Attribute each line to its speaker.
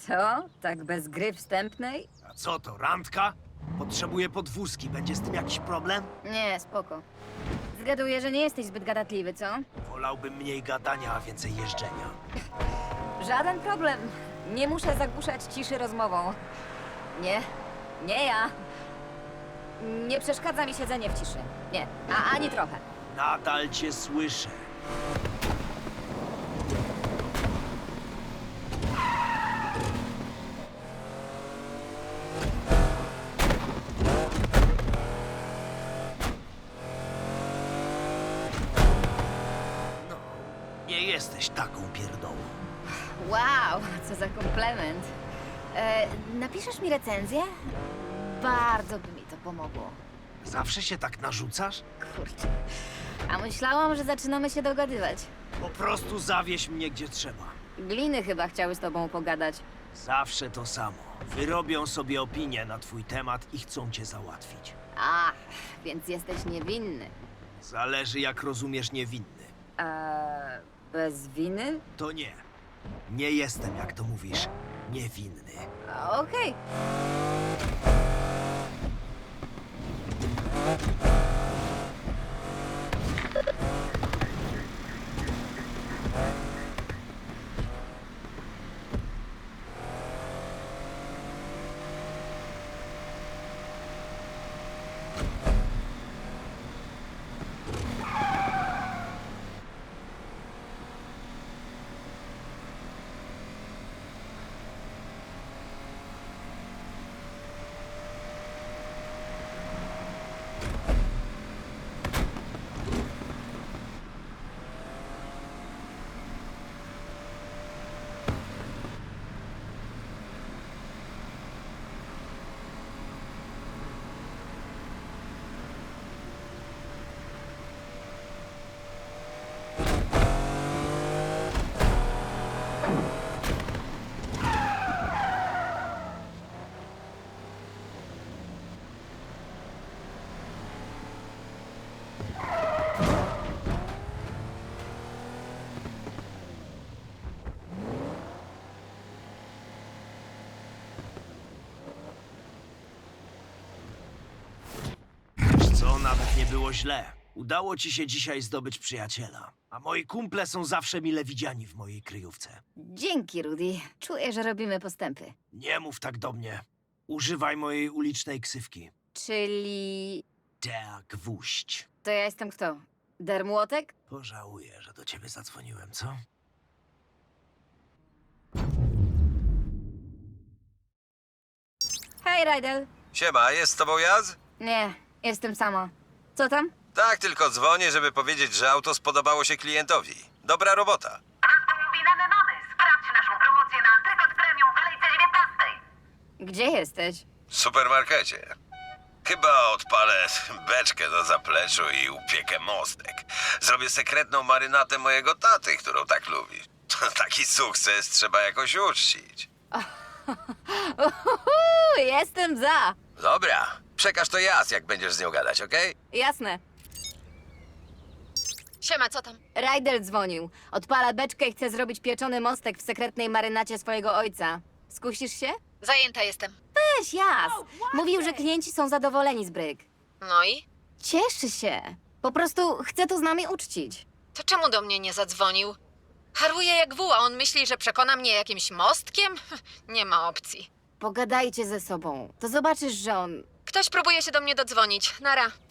Speaker 1: Co? Tak bez gry wstępnej?
Speaker 2: A co to, randka? Potrzebuję podwózki. Będzie z tym jakiś problem?
Speaker 1: Nie, spoko. Zgaduję, że nie jesteś zbyt gadatliwy, co?
Speaker 2: Wolałbym mniej gadania, a więcej jeżdżenia.
Speaker 1: Żaden problem. Nie muszę zagłuszać ciszy rozmową. Nie, nie ja. Nie przeszkadza mi siedzenie w ciszy. Nie, ani trochę.
Speaker 2: Nadal cię słyszę. No, nie jesteś taką pierdołą.
Speaker 1: Wow, co za komplement. Napiszesz mi recenzję? Bardzo by mi to pomogło.
Speaker 2: Zawsze się tak narzucasz?
Speaker 1: Kurczę. A myślałam, że zaczynamy się dogadywać.
Speaker 2: Po prostu zawieź mnie gdzie trzeba.
Speaker 1: Gliny chyba chciały z tobą pogadać.
Speaker 2: Zawsze to samo. Wyrobią sobie opinię na twój temat i chcą cię załatwić.
Speaker 1: A, więc jesteś niewinny.
Speaker 2: Zależy jak rozumiesz niewinny.
Speaker 1: Bez winy?
Speaker 2: To nie. Nie jestem, jak to mówisz, niewinny.
Speaker 1: Okej.
Speaker 2: Wiesz co, nawet nie było źle. Udało ci się dzisiaj zdobyć przyjaciela. A moi kumple są zawsze mile widziani w mojej kryjówce.
Speaker 1: Dzięki, Rudy. Czuję, że robimy postępy.
Speaker 2: Nie mów tak do mnie. Używaj mojej ulicznej ksywki.
Speaker 1: Czyli...
Speaker 2: Dea Gwóźdź.
Speaker 1: To ja jestem kto? Dermłotek?
Speaker 2: Pożałuję, że do ciebie zadzwoniłem, co?
Speaker 1: Hej, Rydell.
Speaker 3: Siema, jest z tobą Jaz?
Speaker 1: Nie, jestem sama. Co tam?
Speaker 3: Tak, tylko dzwonię, żeby powiedzieć, że auto spodobało się klientowi. Dobra robota.
Speaker 4: Rozkombinamy mamy. Sprawdź naszą promocję na Antrykot Premium w kolejce 19.
Speaker 1: Gdzie jesteś?
Speaker 3: W supermarkecie. Chyba odpalę beczkę na zapleczu i upiekę mostek. Zrobię sekretną marynatę mojego taty, którą tak lubi. Taki sukces trzeba jakoś uczcić.
Speaker 1: Jestem za.
Speaker 3: Dobra, przekaż to Jaz, jak będziesz z nią gadać, okej?
Speaker 1: Jasne.
Speaker 5: Siema, co tam?
Speaker 1: Rydell dzwonił. Odpala beczkę i chce zrobić pieczony mostek w sekretnej marynacie swojego ojca. Skusisz się?
Speaker 5: Zajęta jestem.
Speaker 1: Weź, jas. Mówił, że klienci są zadowoleni z bryk.
Speaker 5: No i?
Speaker 1: Cieszy się. Po prostu chce to z nami uczcić.
Speaker 5: To czemu do mnie nie zadzwonił? Haruje jak wół, a on myśli, że przekona mnie jakimś mostkiem? Nie ma opcji.
Speaker 1: Pogadajcie ze sobą. To zobaczysz, że on...
Speaker 5: Ktoś próbuje się do mnie dodzwonić. Nara.